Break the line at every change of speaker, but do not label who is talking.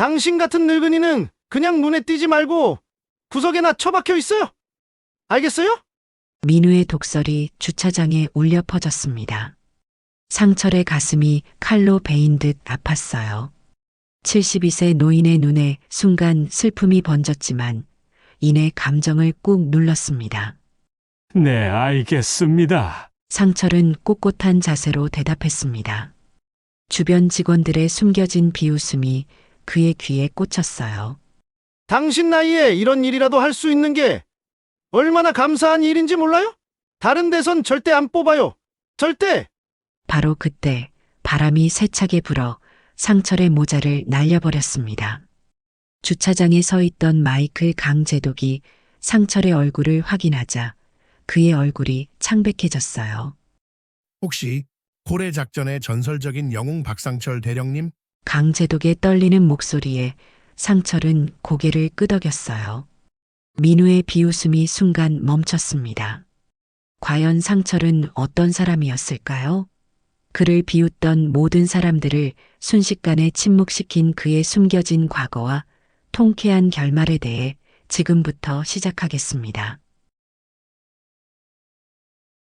당신 같은 늙은이는 그냥 눈에 띄지 말고 구석에나 처박혀 있어요. 알겠어요?
민우의 독설이 주차장에 울려 퍼졌습니다. 상철의 가슴이 칼로 베인 듯 아팠어요. 72세 노인의 눈에 순간 슬픔이 번졌지만 이내 감정을 꾹 눌렀습니다.
네, 알겠습니다.
상철은 꼿꼿한 자세로 대답했습니다. 주변 직원들의 숨겨진 비웃음이 그의 귀에 꽂혔어요.
당신 나이에 이런 일이라도 할 수 있는 게 얼마나 감사한 일인지 몰라요? 다른 데선 절대 안 뽑아요. 절대!
바로 그때 바람이 세차게 불어 상철의 모자를 날려버렸습니다. 주차장에 서 있던 마이클 강제독이 상철의 얼굴을 확인하자 그의 얼굴이 창백해졌어요.
혹시 고래 작전의 전설적인 영웅 박상철 대령님?
강제독의 떨리는 목소리에 상철은 고개를 끄덕였어요. 민우의 비웃음이 순간 멈췄습니다. 과연 상철은 어떤 사람이었을까요? 그를 비웃던 모든 사람들을 순식간에 침묵시킨 그의 숨겨진 과거와 통쾌한 결말에 대해 지금부터 시작하겠습니다.